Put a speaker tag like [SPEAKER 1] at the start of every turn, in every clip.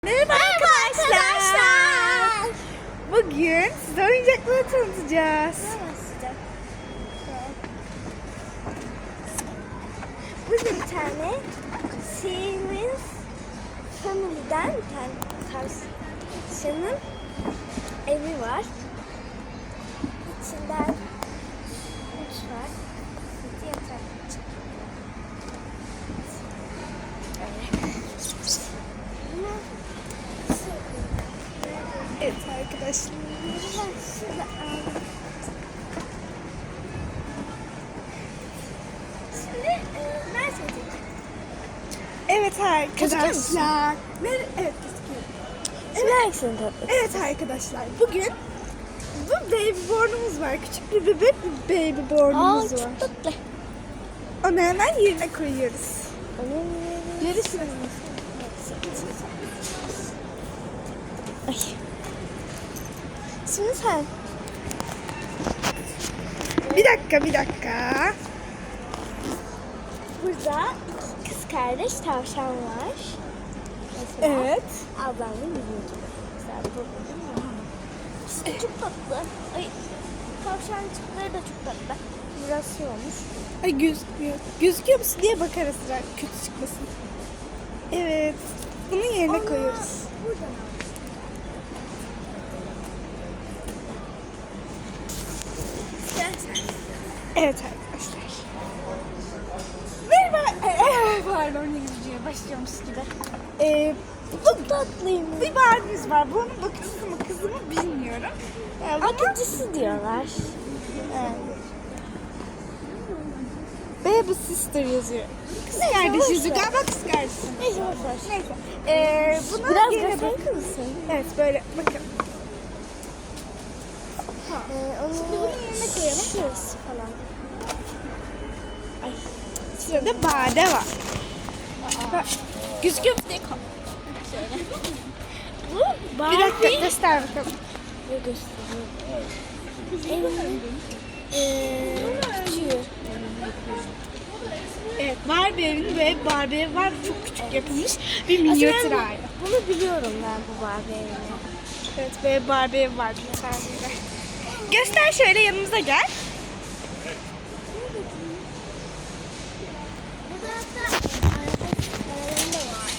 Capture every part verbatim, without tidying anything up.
[SPEAKER 1] Merhaba arkadaşlar. Bugün size oyuncakları tanıtacağız.
[SPEAKER 2] Burada bir tane Siemens Family'den bir tane tavşanın evi var. İçinden mutfak, bir yatak.
[SPEAKER 1] Evet arkadaşlar.
[SPEAKER 2] Şimdi e, ben söyleyeceğim.
[SPEAKER 1] Evet
[SPEAKER 2] Gözüküyor musun?
[SPEAKER 1] arkadaşlar. Ne? Evet gözüküyor.
[SPEAKER 2] Şimdi hangisini tatlı?
[SPEAKER 1] Evet arkadaşlar. Bugün bu babybornumuz var. Küçük bir bebek bir babybornumuz
[SPEAKER 2] Aa,
[SPEAKER 1] var.
[SPEAKER 2] çok tatlı.
[SPEAKER 1] Onu hemen yerine koyuyoruz.
[SPEAKER 2] Görüşürüz. Ay. Şimdi sen.
[SPEAKER 1] Bir dakika bir dakika.
[SPEAKER 2] Burada iki kız kardeş tavşan var. Mesela
[SPEAKER 1] Evet.
[SPEAKER 2] ablamla bizim gibi. Mesela bu benim Muhammed. İkisi de çok tatlı. Ay, tavşancıkları da çok tatlı. Biraz şey olmuş.
[SPEAKER 1] Ay gözükmüyor. Gözüküyor musun diye bakarız sıra kötü çıkmasın. Evet. Bunu yerine
[SPEAKER 2] Onu
[SPEAKER 1] koyuyoruz.
[SPEAKER 2] buradan al.
[SPEAKER 1] Evet arkadaşlar. Merhaba. Ee, Pardon İngilizceye başlıyormuş gibi. Ee,
[SPEAKER 2] Çok tatlıymış.
[SPEAKER 1] bir Barbie'miz var. Bunun bakıcısı mı kızı mı bilmiyorum.
[SPEAKER 2] Yani bakıcısı diyorlar.
[SPEAKER 1] Evet. Baby sister yazıyor. Kız
[SPEAKER 2] Neyse,
[SPEAKER 1] kardeş
[SPEAKER 2] boş
[SPEAKER 1] yazıyor.
[SPEAKER 2] ver.
[SPEAKER 1] Galiba kız kardeşi.
[SPEAKER 2] Neyse boş ver.
[SPEAKER 1] Neyse. Ee, bunu
[SPEAKER 2] Biraz
[SPEAKER 1] yerine
[SPEAKER 2] gösterir
[SPEAKER 1] bak-
[SPEAKER 2] misin?
[SPEAKER 1] Evet böyle bakın.
[SPEAKER 2] Ee, onu
[SPEAKER 1] Şimdi bunu yerine koyalım.
[SPEAKER 2] şurası falan. Ay.
[SPEAKER 1] Sırada bade var. Bak, gözüküyor mu diye koy.
[SPEAKER 2] Bu
[SPEAKER 1] Bir
[SPEAKER 2] Barbie.
[SPEAKER 1] dakika göster bakalım.
[SPEAKER 2] Ne gösteriyor? Evin eee küçüğü.
[SPEAKER 1] Evet, Barbie evinin ve Barbie evi var. Çok küçük yapılmış bir minyatür
[SPEAKER 2] Aslında ben
[SPEAKER 1] hali.
[SPEAKER 2] bu- Bunu biliyorum ben bu Barbie evini.
[SPEAKER 1] Evet, böyle Barbie evi var bir tane de. Göster şöyle yanımıza gel.
[SPEAKER 2] Burada hatta arabalarında var.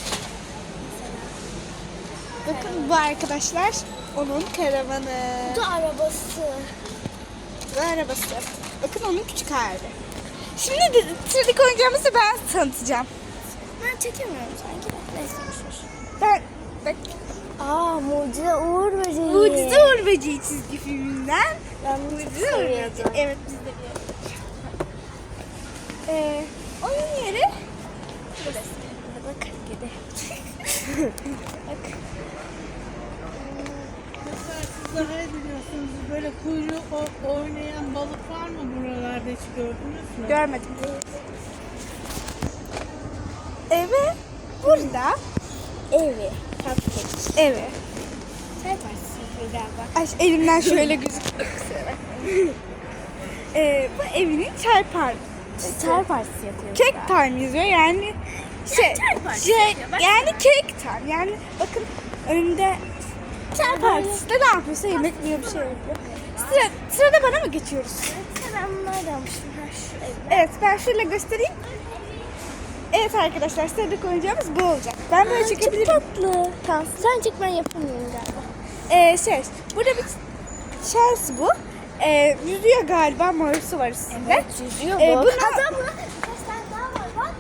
[SPEAKER 1] Bakın bu arkadaşlar onun karavanı.
[SPEAKER 2] Bu da arabası.
[SPEAKER 1] Bu arabası. Bakın onun küçük hali. Şimdi de sıradaki oyuncağımızı ben tanıtacağım.
[SPEAKER 2] Ben çekemiyorum sanki. Neyse boşver.
[SPEAKER 1] Ben bak
[SPEAKER 2] Aa, Mucize Uğur Böceği.
[SPEAKER 1] Mucize Uğur Böceği çizgi filminden.
[SPEAKER 2] Ben bunu çok
[SPEAKER 1] Mucize Uğur Böceği.
[SPEAKER 2] seviyordum.
[SPEAKER 1] Evet biz de biliyoruz. Ee, onun yeri burası.
[SPEAKER 2] Bak gidi.
[SPEAKER 1] Bak.
[SPEAKER 3] Mesela siz daha iyi biliyorsunuz. Böyle kuyruğu o- oynayan balık var mı buralarda, hiç gördünüz mü?
[SPEAKER 1] Görmedim. Evi burada.
[SPEAKER 2] Evi. Cupcake.
[SPEAKER 1] Evi.
[SPEAKER 2] Çay partisi yapıyor galiba.
[SPEAKER 1] Ay, elimden şöyle gözüküyor. Kusura bakmayın. Ee, bu evinin çay partisi.
[SPEAKER 2] Çay partisi yapıyor.
[SPEAKER 1] Cake time yazıyor yani şey,
[SPEAKER 2] çay partisi
[SPEAKER 1] şey
[SPEAKER 2] yapıyor, bak.
[SPEAKER 1] yani cake time yani bakın önümde çay partisi de ne yapıyorsa yemek yiyor bir şey yapıyor. Sıra, sırada bana mı geçiyoruz?
[SPEAKER 2] Ben bunları almıştım. Ha, şu evde.
[SPEAKER 1] Evet ben şöyle göstereyim. Evet arkadaşlar sıradaki oyuncağımız bu olacak. Ben böyle çekebilirim.
[SPEAKER 2] Çok tatlı. Tamam. Sen çek, ben yapamıyorum galiba.
[SPEAKER 1] Ee, şey burada bir Chelsea bu. Ee, yüzüyor galiba morusu var üstünde.
[SPEAKER 2] Yüzüyor
[SPEAKER 1] Ee,
[SPEAKER 2] bu.
[SPEAKER 1] bunu-
[SPEAKER 2] Hatta burada birkaç tane daha var bak.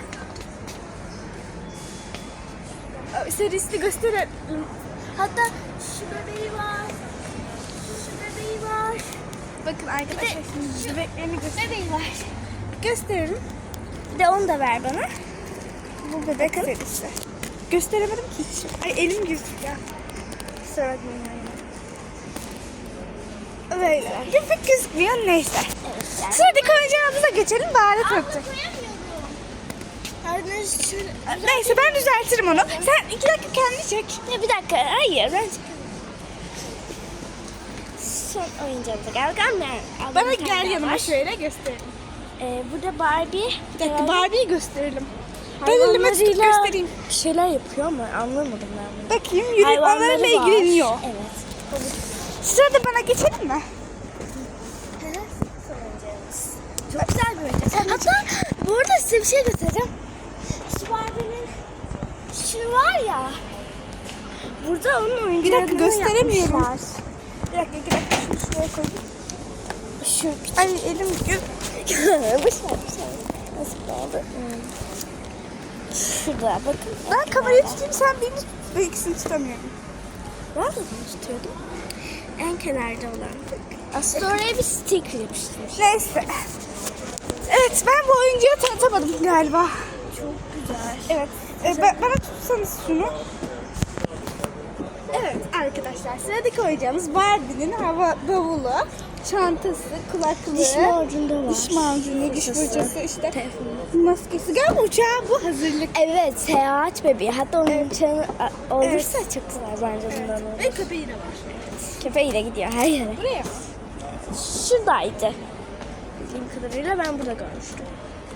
[SPEAKER 1] Ee, Serisini gösterelim.
[SPEAKER 2] Hatta şu bebeği var. Şu bebeği var.
[SPEAKER 1] Bakın arkadaşlar şimdi bebeklerini göster
[SPEAKER 2] Bebeği var.
[SPEAKER 1] gösteririm.
[SPEAKER 2] Bir de onu da ver bana.
[SPEAKER 1] Bu bebek serisi. Gösteremedim ki hiç. Ay elim gözüküyor.
[SPEAKER 2] Kusura bakmayın.
[SPEAKER 1] Böyle. Pek gözükmüyor neyse.
[SPEAKER 2] Evet yani.
[SPEAKER 1] Sıradaki oyuncağımıza geçelim. Bari tanıtacak.
[SPEAKER 2] Hadi şöyle.
[SPEAKER 1] Neyse ben düzeltirim onu. Sen iki dakika kendi çek.
[SPEAKER 2] Ya bir dakika. Hayır ben son oyuncağımıza geldik. Ama
[SPEAKER 1] Bana gel yanıma şöyle gösterelim.
[SPEAKER 2] Ee, burada Barbie.
[SPEAKER 1] Bir dakika Barbie'yi gösterelim. Ben elime tutup
[SPEAKER 2] Hayvanlarıyla
[SPEAKER 1] göstereyim.
[SPEAKER 2] bir şeyler yapıyor ama anlamadım ben bunu.
[SPEAKER 1] Bakayım yürüyüp
[SPEAKER 2] Hayvanları
[SPEAKER 1] onlarla
[SPEAKER 2] var.
[SPEAKER 1] ilgileniyor.
[SPEAKER 2] Evet.
[SPEAKER 1] Sırada bana geçelim mi?
[SPEAKER 2] Çok güzel bir oyuncak. Hatta bu arada size bir şey göstereceğim. Şu Barbie'nin şu var ya. Burada onun oyuncaklarını
[SPEAKER 1] dakika, gösteremiyorum.
[SPEAKER 2] yapmışlar.
[SPEAKER 1] Bir dakika, bir dakika. Şunu şuraya koyayım.
[SPEAKER 2] Şu
[SPEAKER 1] Ay elim gö-
[SPEAKER 2] bir şey bir şey. Nasıl oldu? Hmm. Şurada bakın.
[SPEAKER 1] Ben kamerayı tutayım, sen beni tut. Ben ikisini tutamıyorum.
[SPEAKER 2] Ben de bunu tutuyordum. En kenarda olan. Aslında oraya bir sticker yapıştırmış.
[SPEAKER 1] Neyse. Evet, ben bu oyuncağı tanıtamadım galiba.
[SPEAKER 2] Çok güzel.
[SPEAKER 1] Evet. E, ben- bana tutsanız şunu. Evet arkadaşlar, sıradaki oyuncağımız Barbie'nin hava bavulu, çantası, kulaklığı,
[SPEAKER 2] Diş macunu da var.
[SPEAKER 1] diş macunu, diş
[SPEAKER 2] Fırçası,
[SPEAKER 1] fırçası, işte
[SPEAKER 2] telefonu.
[SPEAKER 1] maskesi. Galiba uçağı bu hazırlık.
[SPEAKER 2] Evet, seyahat bebeği. Hatta onun uçağını a- olursa çok güzel bence bundan olur.
[SPEAKER 1] Ve köpeği de var.
[SPEAKER 2] Köpeği de gidiyor her yere.
[SPEAKER 1] Buraya mı?
[SPEAKER 2] Şuradaydı. Bildiğim kadarıyla ben burada görmüştüm.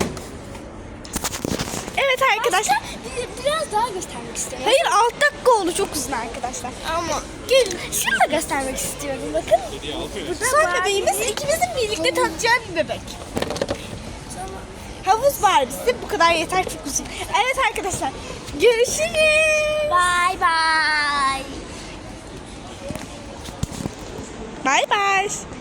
[SPEAKER 1] Evet arkadaşlar.
[SPEAKER 2] Bir- biraz daha göstermek istiyorum.
[SPEAKER 1] Hayır, alt dakika oldu, çok uzun arkadaşlar.
[SPEAKER 2] Ama gelin. Şunu da göstermek istiyorum. Bakın. Burada
[SPEAKER 1] Son
[SPEAKER 2] Barbie-
[SPEAKER 1] bebeğimiz ikimizin birlikte tadacağı bir bebek. Havuz Barbie'si bu kadar yeter, çok uzun. Evet arkadaşlar, görüşürüz.
[SPEAKER 2] Bye bye.
[SPEAKER 1] Bye bye.